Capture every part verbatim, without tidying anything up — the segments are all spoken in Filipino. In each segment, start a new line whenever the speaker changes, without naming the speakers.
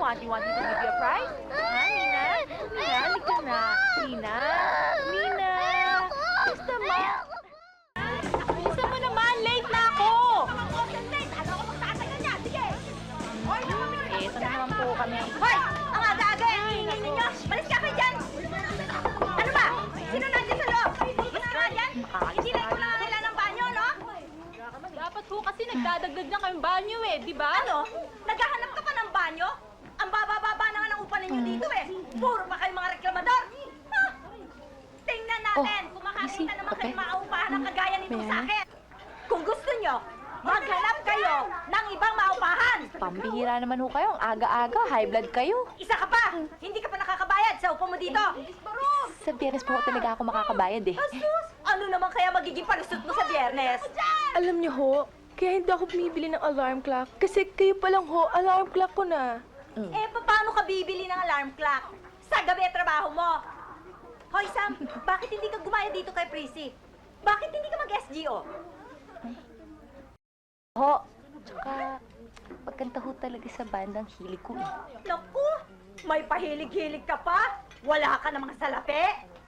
want? You want me to give you a prize? Ha, Nina? Nina, halika na. Nina? Nina? Basta ma... Bisa mo naman, late na ako! Eh, saan naman po kami?
Hoy! Ang aga-aga eh! Hihingin ninyo! Malis ka kayo dyan! Ano ba? Sino nandiyan sa loob? Mas ka nga dyan? Hindi na ko lang kailan ng banyo, no?
Dapat po kasi nagdadagdag na kayong banyo eh, di ba?
Ano? Naghahanap ka pa ng banyo? Ang baba-baba na nga ng upa ninyo dito eh! Puro pa kayo mga reklamador! Ha? Tingnan natin kung makakita naman kayo maupahan ng kagaya nito sa akin! Kung gusto nyo, maghanap kayo ng ibang maupahan!
Pambihira naman ho kayo. Ang aga-aga, high blood kayo.
Isa ka pa! Hindi ka pa nakakabayad sa upo mo dito!
Sa biyernes po talaga ako makakabayad eh.
Asus! Ano naman kaya magiging palusot mo sa biyernes?
Alam niyo ho, kaya hindi ako bumibili ng alarm clock. Kasi kayo pa lang ho, alarm clock ko na.
Eh, paano ka bibili ng alarm clock? Sa gabi trabaho mo! Hoy, Sam, bakit hindi ka gumaya dito kay Prissy? Bakit hindi ka mag-S G O?
Ho, tsaka pagkanta ho talaga sa bandang hilig ko eh.
Naku! May pahilig-hilig ka pa? Wala ka namang salapi?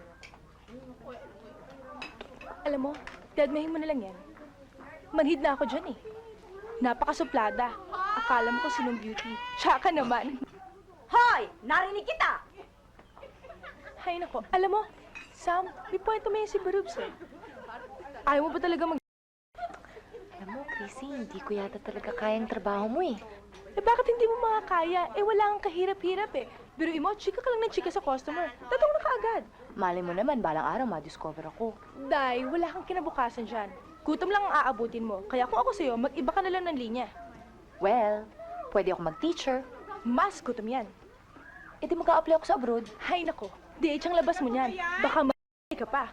Alam mo, dadmahin mo na lang yan. Manhid na ako dyan eh. Napakasuplada. Akala mo ko sinong beauty. Tsaka naman.
Hoy! Narinig kita!
Hay nako, alam mo, Sam, may point mo yan si Barubs eh. Ayaw mo ba talaga mag...
Alam mo, Chrissy, hindi ko yata talaga kayang trabaho mo eh.
Eh bakit hindi mo makakaya? Eh wala kang kahirap-hirap eh. Biruin mo, chika ka lang ng chika sa customer. Tatong na kaagad.
Malay mo naman, balang araw ma-discover ako.
Day, wala kang kinabukasan dyan. Gutom lang ang aabutin mo. Kaya kung ako sa'yo, mag-iba ka na lang ng linya.
Well, pwede ako mag-teacher.
Mas gutom yan.
E di mag-a-apply ako sa abroad.
Hay nako, D H ang labas mo niyan. Baka ma***y ka pa.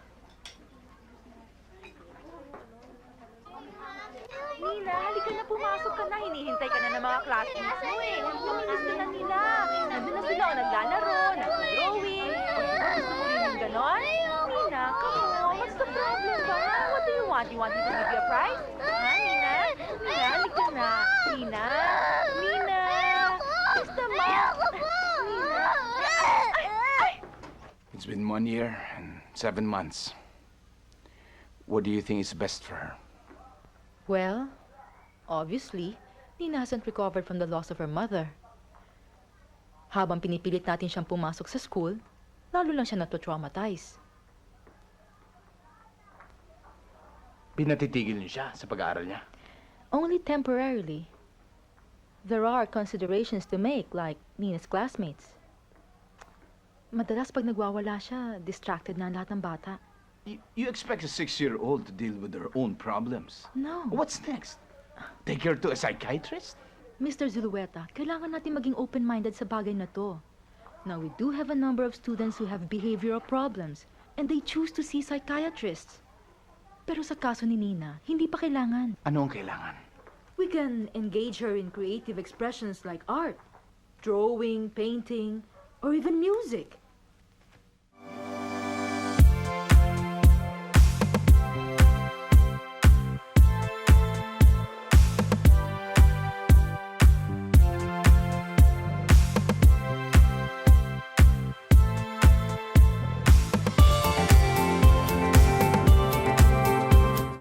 Nina, halika na, pumasok ka na. Hinihintay ka na ng mga classmates mo eh. Naminis ka na nila. Nandun na sila o naglalaro, nag-drawing. O di ba gusto mo rin yung ganon? Nina, come on. What's the problem ba? What do you want? You want me to give you a prize? Ha, Nina? Nina, halika na. Nina? Nina? Basta ma... Nina? Ay! Ay!
It's been one year and seven months. What do you think is best for her?
Well, obviously, Nina hasn't recovered from the loss of her mother. Habang pinipilit natin siyang pumasok sa school, lalo lang siya nato-traumatize.
Pinatitigil niyo siya sa pag-aaral niya?
Only temporarily. There are considerations to make, like Nina's classmates. Madalas pag nagwawala siya, distracted na ang lahat ng bata.
You, you expect a six-year-old to deal with her own problems?
No.
What's next? Take her to a psychiatrist?
Mister Zulueta, kailangan natin maging open-minded sa bagay na to. Now, we do have a number of students who have behavioral problems, and they choose to see psychiatrists. Pero sa kaso ni Nina, hindi pa kailangan.
Ano ang kailangan?
We can engage her in creative expressions like art, drawing, painting, or even music.